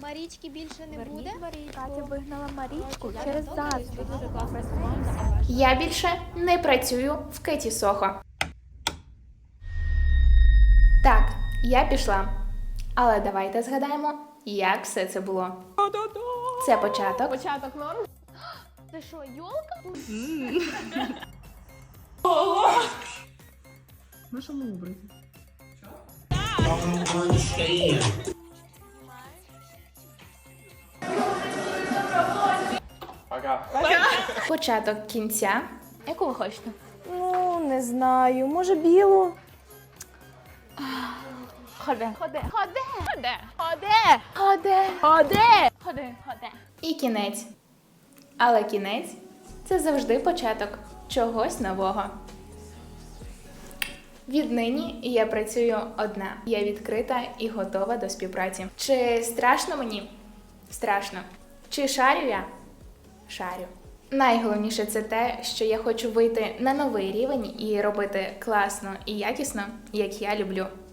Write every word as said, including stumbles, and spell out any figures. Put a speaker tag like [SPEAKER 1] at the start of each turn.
[SPEAKER 1] Марічки більше не буде.
[SPEAKER 2] Катя вигнала Марічку через заздрість.
[SPEAKER 1] Дуже класна команда, а ваша?
[SPEAKER 3] Я більше не працюю в Кеті Сохо. Так, я пішла. Але давайте згадаємо, як все це було. Це початок.
[SPEAKER 2] Початок норм. Це що, йолка?
[SPEAKER 4] На що ми образі?
[SPEAKER 3] Початок кінця.
[SPEAKER 2] Яку ви хочете? Ну, не знаю. Може, білу? Ходи. Ходи. Ходи. Ходи. Ходи. Ходи. Ходи. Ходи. Ходи.
[SPEAKER 3] І кінець. Але кінець – це завжди початок чогось нового. Віднині я працюю одна. Я відкрита і готова до співпраці. Чи страшно мені? Страшно. Чи шарю я? Шарю. Найголовніше це те, що я хочу вийти на новий рівень і робити класно і якісно, як я люблю.